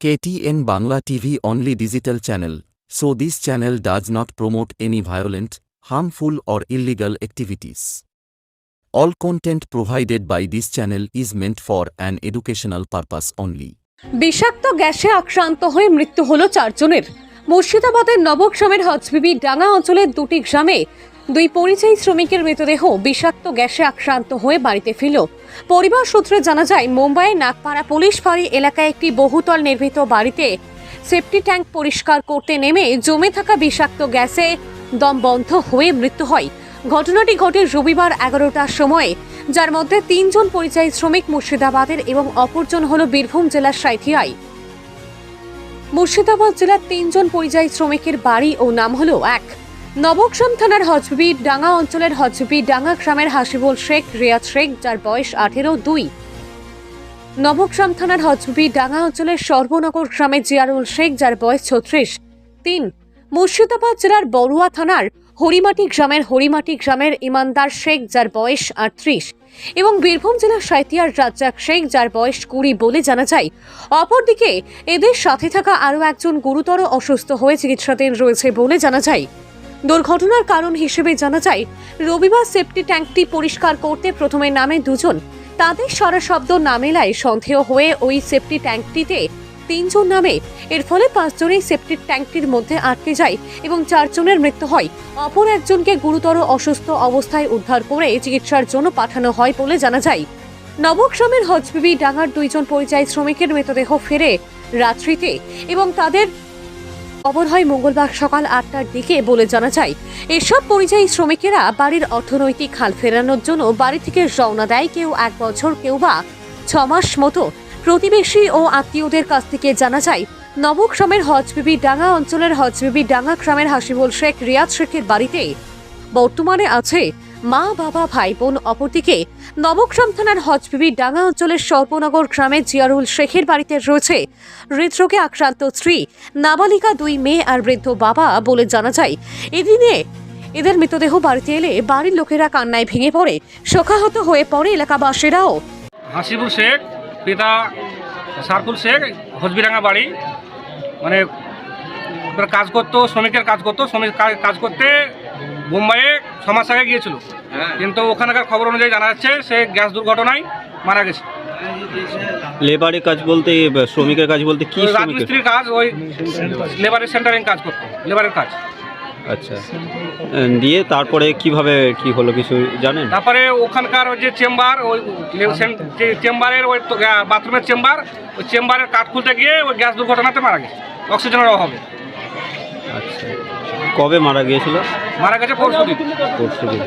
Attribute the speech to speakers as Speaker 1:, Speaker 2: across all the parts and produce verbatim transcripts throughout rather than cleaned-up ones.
Speaker 1: K T N Bangla T V only digital channel, so this channel does not promote any violent, harmful or illegal activities. All content provided by this channel is meant for an educational purpose only.
Speaker 2: বিষাক্ত গ্যাসে আক্রান্ত হয়ে মৃত্যু হলো চারজনের। মুর্শিদাবাদের নবগ্রামের হজবিবি ডাঙ্গা অঞ্চলের দুটি গ্রামে দুই পরিযায়ী শ্রমিকের মৃতদেহ বিষাক্ত গ্যাসে আক্রান্ত হয়ে বাড়িতে ফিরল। পরিবার সূত্রে জানা যায়, মুম্বাইয়ের নাগপাড়া পুলিশ ফাঁড়ি এলাকায় একটি বহুতল নির্মিত বাড়িতে সেফটি ট্যাঙ্ক পরিষ্কার করতে নেমে জমে থাকা বিষাক্ত গ্যাসে দম বন্ধ হয়ে মৃত্যু হয়। ঘটনাটি ঘটে রবিবার এগারোটার সময়ে, যার মধ্যে তিনজন পরিযায়ী শ্রমিক মুর্শিদাবাদের এবং অপরজন হল বীরভূম জেলার সাঁইথিয়ায়। মুর্শিদাবাদ জেলার তিনজন পরিযায়ী শ্রমিকের বাড়ি ও নাম হলো এক, নবগ্রাম থানার হজবিবি ডাঙ্গা অঞ্চলের হজবিবি ডাঙ্গা গ্রামের হাসিবুল শেখ রিয়াদ শেখ, যার বয়স আঠেরো। দুই, নবগ্রাম থানার হজবিবি ডাঙ্গা অঞ্চলের সর্বনগর গ্রামের জিয়ারুল শেখ, যার বয়স ছত্রিশ। তিন, মুর্শিদাবাদ জেলার বড়ুয়া থানার হরিমাটি গ্রামের হরিমাটি গ্রামের ইমানদার শেখ, যার বয়স আটত্রিশ এবং বীরভূম জেলার সাঁইথিয়ার রাজ্জাক শেখ, যার বয়স কুড়ি বলে জানা যায়। অপরদিকে এদের সাথে থাকা আরও একজন গুরুতর অসুস্থ হয়ে চিকিৎসাধীন রয়েছে বলে জানা যায়। দুর্ঘটনার কারণ হিসেবে জানা যায়, রবিবার সেফটি ট্যাঙ্কটি পরিষ্কার করতে প্রথমে নামে দুজন, তাদের সারা শব্দ না মেলায় সন্দেহ হয়ে ওই সেফটি ট্যাঙ্কটিতে তিনজন নামে। এর ফলে পাঁচজনই সেফটি ট্যাঙ্কটির মধ্যে আটকে যায় এবং চারজনের মৃত্যু হয়। অপর একজনকে গুরুতর অসুস্থ অবস্থায় উদ্ধার করে চিকিৎসার জন্য পাঠানো হয় বলে জানা যায়। নবগ্রামের হজবিবি ডাঙ্গার দুইজন পরিযায়ী শ্রমিকের মৃতদেহ ফেরে রাত্রিতে এবং তাদের খবর হয় মঙ্গলবার সকাল আটটার দিকে বলে জানা যায়। এসব পরিযায়ী শ্রমিকেরা বাড়ির অর্থনৈতিক হাল ফেরানোর জন্য বাড়ি থেকে রওনা দেয়, কেউ এক বছর, কেউ বা ছ মাস মতো। প্রতিবেশী ও আত্মীয়দের কাছ থেকে জানা যায়, নবগ্রামের হজবিবি ডাঙ্গা অঞ্চলের হজবিবি ডাঙ্গা গ্রামের হাসিবুল শেখ রিয়াদ শেখের বাড়িতে বর্তমানে আছে মা, বাবা, ভাই, বোন। অপরদিকে নবগ্রাম থানার হজবিবি ডাঙ্গা অঞ্চলের সর্বনগর গ্রামের জিয়ারুল শেখের বাড়িতে রয়েছে হৃদরোগে আক্রান্ত স্ত্রী, নাবালিকা দুই মেয়ে আর বৃদ্ধ বাবা বলে জানা যায়। এদিনে এদের মৃতদেহ বাড়িতে এলে বাড়ির লোকেরা কান্নায় ভেঙে পড়ে, শোকাহত হয়ে পড়ে এলাকাবাসীরাও।
Speaker 3: হাসিবুল শেখ, পিতা সারফুল শেখ, হজবিডাঙ্গা বাড়ি। মানে কাজ করতো, শ্রমিকের কাজ করতো, শ্রমিক কাজ করতে মুম্বাইয়ে ছ মাস আগে গিয়েছিল, কিন্তু ওখানকার খবর অনুযায়ী জানা যাচ্ছে সে গ্যাস দুর্ঘটনায় মারা গেছে।
Speaker 4: লেবারের কাজ বলতে, শ্রমিকের কাজ বলতে কি?
Speaker 3: রাজমিস্ত্রির কাজ, ওই লেবারের সেন্টারিং কাজ করতো, লেবারের কাজ।
Speaker 4: আচ্ছা, দিয়ে তারপরে কিভাবে কি হলো কিছু জানেন?
Speaker 3: তারপরে ওখানকার ওই যে চেম্বার, ওই যে চেম্বারের ওই বাথরুমের চেম্বার, ওই চেম্বারের কাঠ খুলতে গিয়ে ওই গ্যাস দুর্ঘটনাতে মারা গেছে অক্সিজেনের অভাবে।
Speaker 4: আচ্ছা, কবে মারা গিয়েছিল?
Speaker 3: মারা গেছে পরশু দিন।
Speaker 4: পরশু দিন।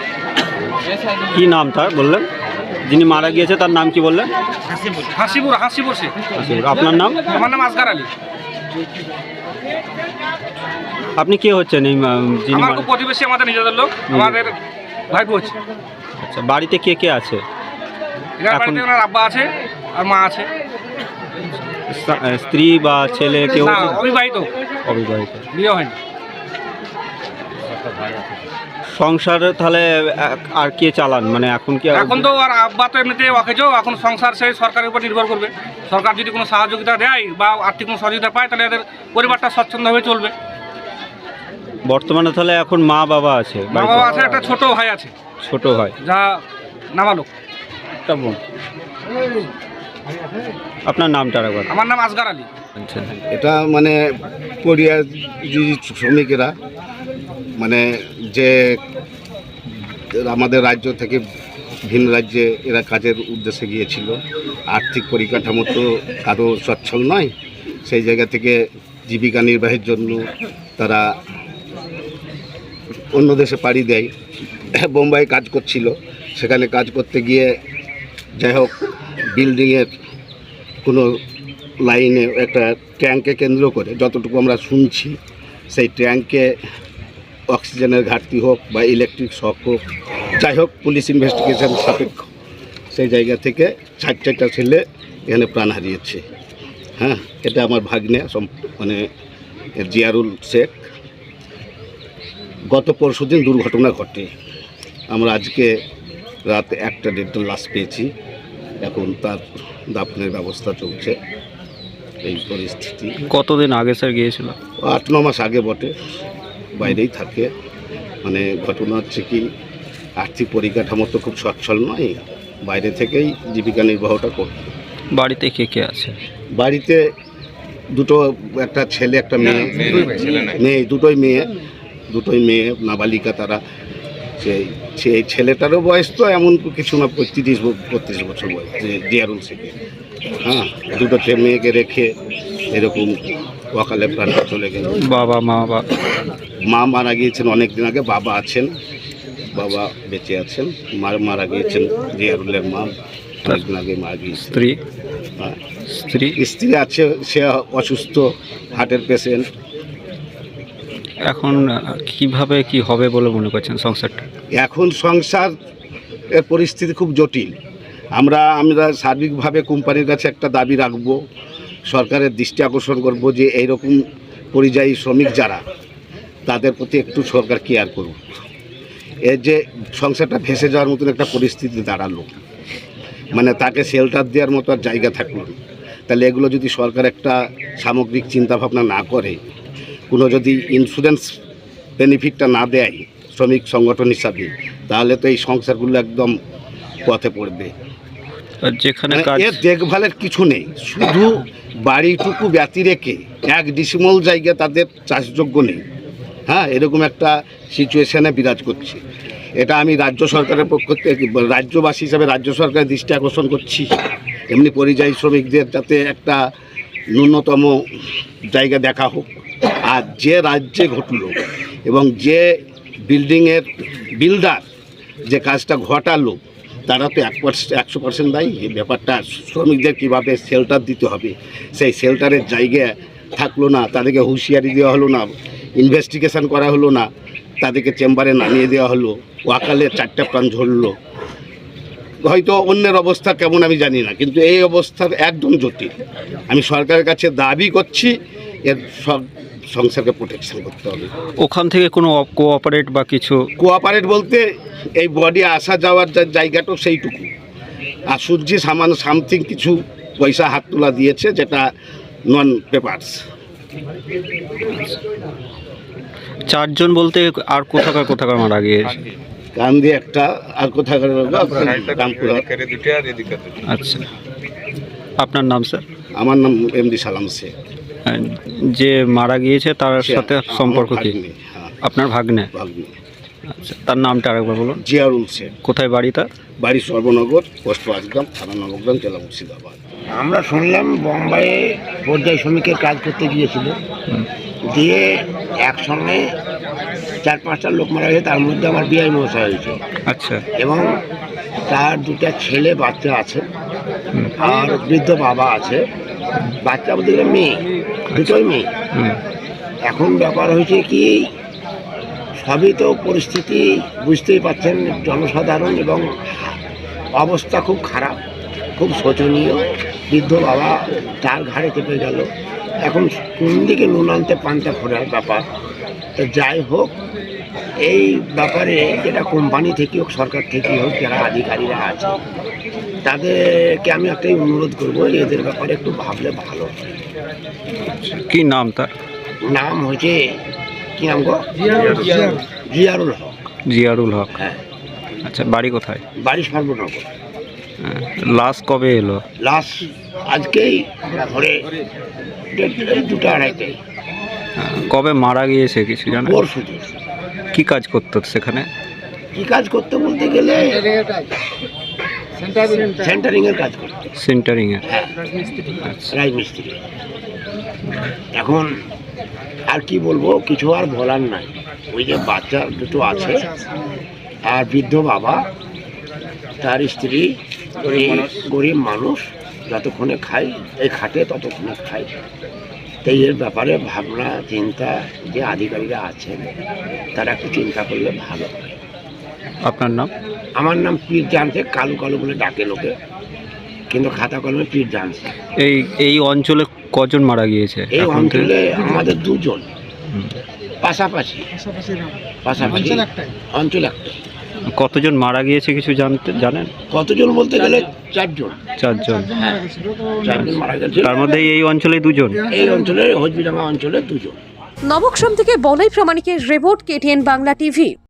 Speaker 4: কি নাম তার বললেন? যিনি মারা গিয়েছে তার নাম কি বললেন?
Speaker 3: হাসিবুর হাসিবুর শেখ।
Speaker 4: আপনার নাম?
Speaker 3: আমার নাম আসগার আলী।
Speaker 4: আপনি কে হচ্ছেন? এই
Speaker 3: আমার প্রতিবেশী, আমাদের নিজেদের লোক, আমাদের ভাইপো হচ্ছে।
Speaker 4: আচ্ছা, বাড়িতে কে কে আছে?
Speaker 3: বাড়িতে ওনার আব্বা আছে আর মা আছে।
Speaker 4: স্ত্রী বা ছেলে কেউ?
Speaker 3: অবিবাহিত।
Speaker 4: অবিবাহিত,
Speaker 3: বিয়ে হয়নি।
Speaker 4: সংসার তাহলে আর কে চালান? মানে এখন কি?
Speaker 3: এখন তো আর আব্বা তো এমনিতে অকেজো, এখন সংসার সেই সরকারের উপর নির্ভর করবে। সরকার যদি কোনো সহযোগিতা দেয় বা আর্থিক কোনো সহযোগিতা পায়, তাহলে এদের পরিবারটা স্বচ্ছন্দভাবে চলবে।
Speaker 4: বর্তমানে তাহলে এখন মা বাবা আছে?
Speaker 3: মা বাবা আছে, একটা ছোট ভাই আছে।
Speaker 4: ছোট ভাই
Speaker 3: যা নাবালক।
Speaker 4: আপনার নামটা একবার?
Speaker 3: আমার নাম আসগার আলী।
Speaker 5: এটা মানে পরিযায়ী শ্রমিকেরা মানে যে আমাদের রাজ্য থেকে ভিন রাজ্যে এরা কাজের উদ্দেশ্যে গিয়েছিল, আর্থিক পরিকাঠামো তো কারো সচ্ছল নয়, সেই জায়গা থেকে জীবিকা নির্বাহের জন্য তারা অন্য দেশে পাড়ি দেয়। বোম্বাই কাজ করছিল, সেখানে কাজ করতে গিয়ে যাই হোক বিল্ডিংয়ের কোনো লাইনে একটা ট্যাঙ্কে কেন্দ্র করে যতটুকু আমরা শুনছি, সেই ট্যাঙ্কে অক্সিজেনের ঘাটতি হোক বা ইলেকট্রিক শক হোক, যাই হোক পুলিশ ইনভেস্টিগেশন সাপেক্ষ সেই জায়গা থেকে চার চারটা ছেলে এখানে প্রাণ হারিয়েছে। হ্যাঁ, এটা আমার ভাগ্নে মানে জিয়ারুল শেখ। গত পরশু দিন দুর্ঘটনা ঘটে। আমরা আজকে রাত একটা দেড়টার লাশ পেয়েছি, এখন তার দাফনের ব্যবস্থা চলছে। এই পরিস্থিতি।
Speaker 4: কতদিন আগে স্যার গিয়েছিল?
Speaker 5: আট ন মাস আগে বটে, বাইরেই থাকে। মানে ঘটনা হচ্ছে কি, আর্থিক পরিকাঠামো তো খুব সচ্ছল নয়, বাইরে থেকেই জীবিকা নির্বাহটা করত।
Speaker 4: বাড়িতে কে কে আছে?
Speaker 5: বাড়িতে দুটো, একটা ছেলে একটা মেয়ে, মেয়ে দুটোই মেয়ে, দুটোই মেয়ে নাবালিকা তারা। সেই সেই ছেলেটারও বয়স তো এমন কিছু না, পঁয়ত্রিশ বত্রিশ বছর বয়স, যে জিয়ারুল শেখ। হ্যাঁ, দুটো ছে- মেয়েকে রেখে এরকম অকালে প্রাণটা চলে গেল।
Speaker 4: বাবা মা বা
Speaker 5: মা মারা গিয়েছেন অনেক দিন আগে, বাবা আছেন, বাবা বেঁচে আছেন। মা মারা গিয়েছেন, জিয়ারুলের মা অনেকদিন আগে মারা গিয়েছে।
Speaker 4: স্ত্রী?
Speaker 5: হ্যাঁ,
Speaker 4: স্ত্রী
Speaker 5: স্ত্রী আছে, সে অসুস্থ, হার্টের পেশেন্ট।
Speaker 4: এখন আহ, কিভাবে কি হবে বলে মনে করছেন সংসারটা?
Speaker 5: এখন সংসার এর পরিস্থিতি খুব জটিল। আমরা আমরা সার্বিকভাবে কোম্পানির কাছে একটা দাবি রাখব, সরকারের দৃষ্টি আকর্ষণ করব যে এইরকম পরিযায়ী শ্রমিক যারা, তাদের প্রতি একটু সরকার কেয়ার করুক। এর যে সংসারটা ভেসে যাওয়ার মতন একটা পরিস্থিতি দাঁড়ালো, মানে তাকে শেল্টার দেওয়ার মতো আর জায়গা থাকলো না। তাহলে এগুলো যদি সরকার একটা সামগ্রিক চিন্তাভাবনা না করে, কোনো যদি ইন্স্যুরেন্স বেনিফিটটা না দেয় শ্রমিক সংগঠন হিসাবে, তাহলে তো এই সংসারগুলো একদম পথে পড়বে।
Speaker 4: আর যেখানে
Speaker 5: মানে
Speaker 4: কাজ
Speaker 5: এর দেখভালের কিছু নেই, শুধু বাড়িটুকু ব্যতি রেখে এক ডিসিমল জায়গা তাদের চাষযোগ্য নেই। হ্যাঁ, এরকম একটা সিচুয়েশনে বিরাজ করছে। এটা আমি রাজ্য সরকারের পক্ষ থেকে, রাজ্যবাসী হিসাবে রাজ্য সরকারের দৃষ্টি আকর্ষণ করছি। এমনি পরিযায়ী শ্রমিকদের যাতে একটা ন্যূনতম জায়গা দেখা হোক। আর যে রাজ্যে ঘটলো এবং যে বিল্ডিংয়ের বিল্ডার যে কাজটা ঘটালো, তারা তো এক পার্সেন্ট একশো পার্সেন্ট দায়ী। এই ব্যাপারটা শ্রমিকদের কীভাবে শেল্টার দিতে হবে, সেই শেল্টারের জায়গা থাকলো না, তাদেরকে হুঁশিয়ারি দেওয়া হলো না, ইনভেস্টিগেশন করা হলো না, তাদেরকে চেম্বারে নামিয়ে দেওয়া হলো, ওয়াকালে চারটা প্রাণ ঝরলো। হয়তো অন্যের অবস্থা কেমন আমি জানি না, কিন্তু এই অবস্থার একদম জটিল। আমি সরকারের কাছে দাবি করছি এর সব সংসারকে প্রোটেকশন করতে হবে।
Speaker 4: ওখান থেকে কোনো কোঅপারেট বা কিছু?
Speaker 5: কোঅপারেট বলতে এই বডি আসা যাওয়ার যে জায়গাটাও সেইটুকু, আর সূর্যি সামান্য সামথিং কিছু পয়সা হাত তোলা দিয়েছে, যেটা নন পেপারস।
Speaker 4: চারজন বলতে আর কোথাকার কোথাকার মারা গিয়েছে?
Speaker 5: কান্দি একটা, আর কোথাকার রামপুরা।
Speaker 4: আচ্ছা, আপনার নাম স্যার?
Speaker 5: আমার নাম এমডি সালাম শেখ।
Speaker 4: আর যে মারা গিয়েছে তার সাথে সম্পর্ক কি?
Speaker 5: ভাগ্নে, হ্যাঁ,
Speaker 4: আপনার ভাগ্নে?
Speaker 5: ভাগ্নে।
Speaker 4: আচ্ছা, তার নামটা আরেকবার বলুন।
Speaker 5: জিয়ারুল শেখ।
Speaker 4: কোথায় বাড়ি তার?
Speaker 5: বাড়ি সর্বনগর, পোস্ট পাঁচগ্রাম, থানা নবগ্রাম, জেলা মুর্শিদাবাদ।
Speaker 6: আমরা শুনলাম বোম্বাইয়ে পর্যায় শ্রমিকের কাজ করতে গিয়েছিল, দিয়ে একসঙ্গে চার পাঁচটা লোক মারা গেছে, তার মধ্যে আমার বিআই মশাই হয়েছে।
Speaker 4: আচ্ছা,
Speaker 6: এবং তার দুটা ছেলে বাচ্চা আছে, আর বৃদ্ধ বাবা আছে। বাচ্চা বলতে গেলে মেয়ে, দুটোই মেয়ে।
Speaker 4: হুম,
Speaker 6: এখন ব্যাপার হয়েছে কি, সবই তো পরিস্থিতি বুঝতেই পারছেন, জনসাধারণ, এবং অবস্থা খুব খারাপ, খুব শোচনীয়। বৃদ্ধ বাবা তার ঘাড়ে চেপে গেল। এখন কোন দিকে নুন আনতে পান্তা ফোড়ার ব্যাপার। তো যাই হোক, এই ব্যাপারে যেটা কোম্পানি থেকে হোক, সরকার থেকে হোক, যারা আধিকারিকরা আছে, তাদেরকে আমি একটাই অনুরোধ করবো, এদের ব্যাপারে একটু ভাবলে ভালো হয়।
Speaker 4: কি নাম তার?
Speaker 6: নাম হচ্ছে, কি নাম গো? জিয়ারুল হক।
Speaker 4: জিয়ারুল হক।
Speaker 6: হ্যাঁ।
Speaker 4: আচ্ছা, বাড়ি কোথায়?
Speaker 6: বাড়ি সর্বনগর।
Speaker 4: হ্যাঁ, লাশ কবে এলো?
Speaker 6: লাশ আজকেই ভোরে দেড়- দুটো আড়াইটে,
Speaker 4: হ্যাঁ, কবে মারা গিয়েছে কিছু জানেন?
Speaker 6: পরশু দিন।
Speaker 4: কি কাজ করতো সেখানে?
Speaker 6: কি কাজ করতে বলতে গেলে সেন্টারিং এর কাজ করতো।
Speaker 4: সেন্টারিং এর?
Speaker 6: হ্যাঁ,
Speaker 4: আচ্ছা,
Speaker 6: রাজমিস্ত্রি। এখন আর কি বলবো, কিছু আর বলার নাই। ওই যে বাচ্চা দুটো আছে, আর বৃদ্ধ বাবা, তার স্ত্রী, গরিব গরিব মানুষ, যতক্ষণে খায় এই খাটে ততক্ষণে খায়। তাই এর ব্যাপারে ভাবনা চিন্তা যে আধিকারিকরা আছেন, তারা একটু চিন্তা করলে ভালো হয়।
Speaker 4: আপনার নাম?
Speaker 6: আমার নাম পীর জানছে, কালু কালু বলে ডাকে লোকে, কিন্তু খাতা কলমে পীর জানছে।
Speaker 4: এই এই অঞ্চলে কজন মারা গিয়েছে
Speaker 6: এই
Speaker 4: এখন থেকে?
Speaker 6: অঞ্চলে আমাদের দুজন,
Speaker 4: হুম।
Speaker 6: পাশাপাশি পাশাপাশি অঞ্চল একটাই।
Speaker 4: কতজন মারা গিয়েছে কিছু জানতে জানেন?
Speaker 6: কতজন বলতে গেলে চারজন।
Speaker 4: চারজন।
Speaker 6: হ্যাঁ, চারজন মারা গেছে।
Speaker 4: তার মধ্যে এই অঞ্চলে দুজন।
Speaker 6: এই অঞ্চলে হজবিডাঙ্গা অঞ্চলে দুজন।
Speaker 2: নবগ্রাম থেকে বলাই প্রামাণিকের রিপোর্ট, কেটিএন বাংলা টিভি।